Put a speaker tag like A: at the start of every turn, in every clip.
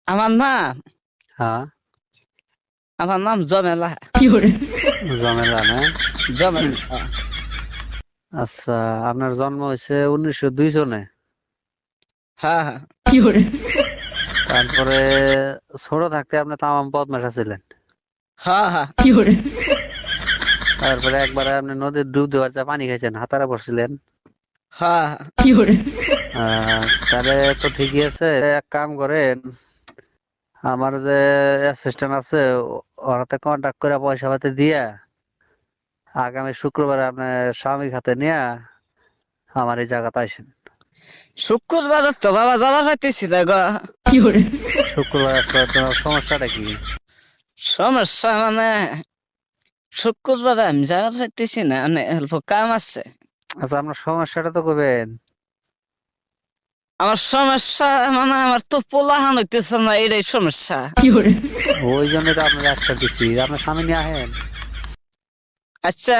A: আমার নাম
B: হ্যাঁ,
A: আমার নাম জমেলা।
B: জমেলা না?
A: জমেলা।
B: আচ্ছা, আপনার জন্ম হয়েছে 1902 সনে।
A: হ্যাঁ হ্যাঁ
B: তারপরে ছোট থাকতে আপনি তামাম বদমাশ ছিলেন।
A: হ্যাঁ হ্যাঁ
B: তারপরে একবারে আপনি নদীর ডুব দেওয়ার চা পানি খাইছেন, হাতারা পড়ছিলেন।
A: হ্যাঁ।
B: তাহলে তো ঠিকই আছে। এক কাম করেন, আমার যে অ্যাসিস্ট্যান্ট আছে ওর হাতে কন্ট্যাক্ট করে পয়সা পাতি দিয়া আগামী শুক্রবারে আপনার স্বামী হাতে নিয়ে আমার এই জায়গাতে আসেন।
A: শুক্রবার তো বাবা যাবার পাইতেছি না গো।
B: শুক্রবার আসলে তোমার সমস্যাটা কি?
A: সমস্যা মানে শুক্রবার আমি যাবার পাইতেছি না, মানে অল্প কাম আছে।
B: আচ্ছা, আপনার সমস্যাটা তো কবেন।
A: আমার সমস্যা মানে আমার তো পোলাহান হইতেছে না, এটাই সমস্যা।
B: ওই জন্যই তো আপনার রাস্তা দিচ্ছি, আপনার স্বামী নিয়ে আহেন।
A: আচ্ছা,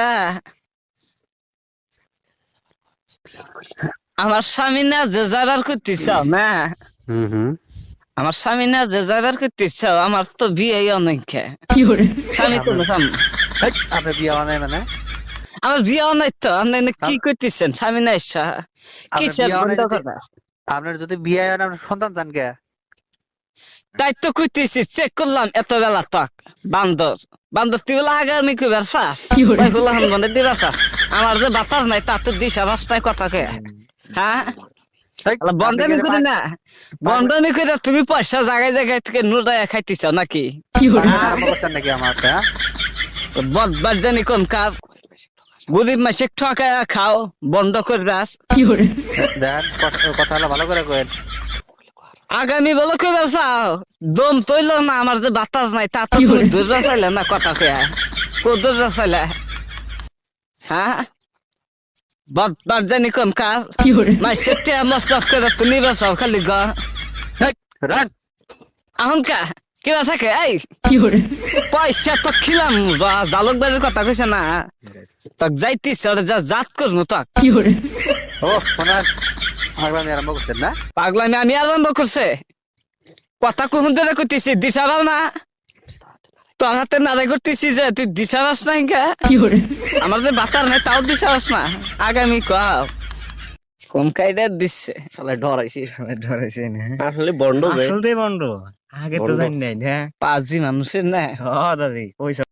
A: আমার স্বামী না যে যাবার করতেছ না,
B: হুম হুম।
A: আমার স্বামী না যে যাবার করতেছ, আমার তো বিয়ে অনেক। স্বামী
B: আপনার
A: কোনো কাম।
B: আপনার বিয়ে হয় নাই মানে?
A: আমার বিয়ে অনেক তো, আপনি কি
B: আপ-
A: করতেছেন? স্বামী না ইচ্ছা
B: আপনার
A: কিসের
B: বিয়ে হয় নাই
A: বন্ধ
B: যদি,
A: কথা?
B: আপনার যদি বিয়ে হয় না, আপনার সন্তান চান কে?
A: তাই তো কইতেছি, চেক করলাম এত বেলা তক। বান্দর বান্দর তুই বলে আগে আমি কইবার চাস, ওই ফুলাহান বন্ধে দিবার চাস। আমার যে বাতাস নাই তা তো দিশা রাস্তায় কথা কে। হ্যাঁ,
B: আপনি কি
A: বন্ডামি
B: এটা
A: করি না,
B: পাগলা
A: বন্ডামি করে তুমি পয়সা জায়গায় জায়গায় থেকে নুরাইয়া খাইতেছ নাকি?
B: পাগলামি
A: হ্যাঁ,
B: আরম্ভ করছেন নাকি আমার হাতে, হ্যাঁ?
A: বদবার জানি কোন কাজ। গরিব মাসে ঠকায়া খাও, বন্ধ করবাস।
B: দেখেন, কথা হলো ভালো করে কয়েন।
A: আগামী বলে কইবার চাও, দম তৈল না, আমার যে বাতাস নাই তা তো তুমি দূর চাইলে না কথা কে। কো দূর চাইলে? হ্যাঁ, বদবার জানি কোন কার মাসে টিয়া মস্ত করে তুমি বাসাও খালি গ।
B: রান।
A: এখন কা কিবা থাকে এই পয়সা তো খিলাম, জালক বাজের কথা কইছে না, তক যাইতিস যা জাত করবো তক।
B: ও শোনার, পাগলামি আরম্ভ করছেন না?
A: পাগলামি আমি আরম্ভ করছে, কথা কোন ধরে কইতেছি দিশা পাও না, তোর হাতে নাড়াই করতেছি যে তুই দিশা পাস না কে। আমার যে বাতার নাই তাও দিশা পাস না। আগামী কাও কোন কাইডা দিচ্ছে
C: শালা ডরাইছে না।
A: আসলে বন্ড যায়,
C: আসলে বন্ধ, আগে তো
A: বন্ড
C: জানি নাই না।
A: পাঁচজি মানুষের না।
C: দাদি পয়সা